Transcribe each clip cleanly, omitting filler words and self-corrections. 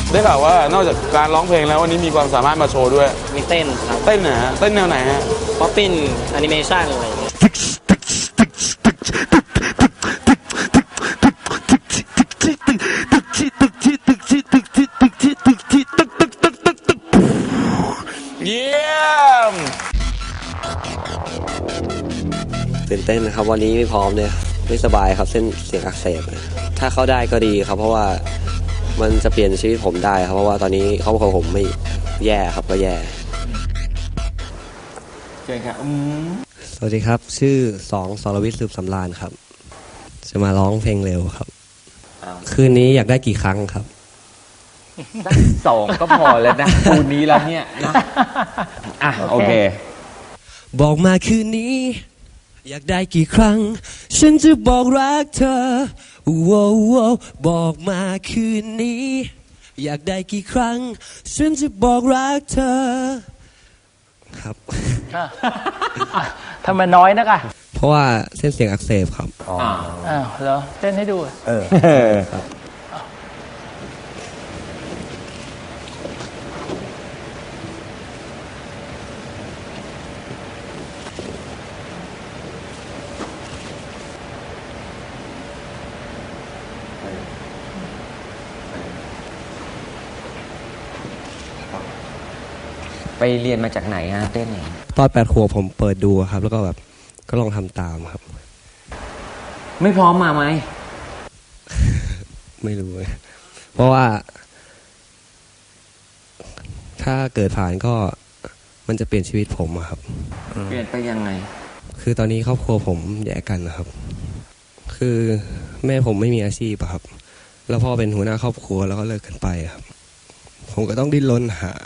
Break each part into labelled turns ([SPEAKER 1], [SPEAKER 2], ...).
[SPEAKER 1] ได้ข่าวว่านอกจากการร้องเพลงแล้ววันนี้มีความสามารถมาโชว์ด้วย
[SPEAKER 2] มีเต้นครับ
[SPEAKER 1] เต้นนะฮะเต้นแนวไหนฮะ
[SPEAKER 2] ป๊อปปิ้นแอนิเมชันอะไรอย่างเงี้ย
[SPEAKER 1] เยี่ยม
[SPEAKER 3] ตื่นเต้นนะครับวันนี้ไม่พร้อมเลยไม่สบายครับเส้นเสียงอักเสบถ้าเข้าได้ก็ดีครับเพราะว่ามันจะเปลี่ยนชีวิตผมได้ครับเพราะว่าตอนนี้ครอบครัวผมไม่แย่ครับก็แย่
[SPEAKER 1] เชิญครับ
[SPEAKER 3] สวัสดีครับชื่อสรวิทย์สืบสำราญครับจะมาร้องเพลงเร็วครับคืนนี้อยากได้กี่ครั้งครับ
[SPEAKER 4] สัก2ก็พอแล้วนะคืนนี้แล้วเนี่ยนะโอเค
[SPEAKER 3] บอกมาคืนนี้อยากได้กี่ครั้งฉันจะบอกรักเธอบอกมาคืนนี้อยากได้กี่ครั้งฉันจะบอกรักเธอครับ
[SPEAKER 5] ทำไมน้อยนักอ่ะ
[SPEAKER 3] เพราะว่าเส้นเสียงอักเสบครับ
[SPEAKER 5] เหรอเต้นให้ดู
[SPEAKER 3] ครับ
[SPEAKER 4] ไปเรียนมาจากไหนฮะเต้น
[SPEAKER 3] ตอน8 ขวบผมเปิดดูครับแล้วก็แบบก็ลองทำตามครับ
[SPEAKER 4] ไม่พร้อมมาไหม
[SPEAKER 3] ไม่รู้เพราะว่าถ้าเกิดผ่านก็มันจะเปลี่ยนชีวิตผมครับ
[SPEAKER 4] เปลี่ยนไปยังไง
[SPEAKER 3] คือตอนนี้ครอบครัวผมแยกกันนะครับคือแม่ผมไม่มีอาชีพครับแล้วพ่อเป็นหัวหน้าครอบครัวแล้วก็เลิกกันไปครับผมก็ต้องดิ้นรนหา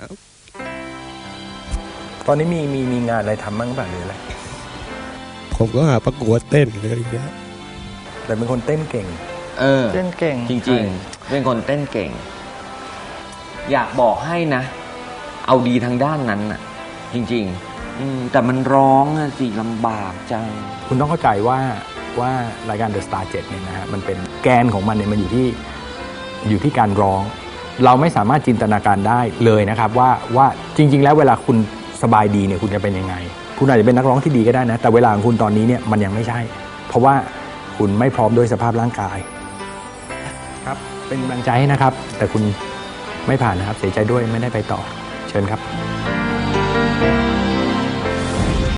[SPEAKER 6] ตอนนี้มีงานอะไรทำบ้างบ้างหรืออะไร
[SPEAKER 3] ผมก็หาประกวดเต้นเลยอย่างเงี้ย
[SPEAKER 6] แต่เป็นคนเต้นเก่ง
[SPEAKER 5] เต้นเก่ง
[SPEAKER 4] จริงๆเป็นคนเต้นเก่งอยากบอกให้นะเอาดีทางด้านนั้นน่ะจริงๆแต่มันร้องสิลำบากจัง
[SPEAKER 6] คุณต้องเข้าใจว่ารายการ The Star 7เนี่ยนะฮะมันเป็นแกนของมันเนี่ยมันอยู่ที่การร้องเราไม่สามารถจินตนาการได้เลยนะครับว่าจริงๆแล้วเวลาคุณสบายดีเนี่ยคุณจะเป็นยังไงคุณอาจจะเป็นนักร้องที่ดีก็ได้นะแต่เวลาของคุณตอนนี้เนี่ยมันยังไม่ใช่เพราะว่าคุณไม่พร้อมด้วยสภาพร่างกายครับเป็นกำลังใจให้นะครับแต่คุณไม่ผ่านนะครับเสียใจด้วยไม่ได้ไปต่อเชิญครับ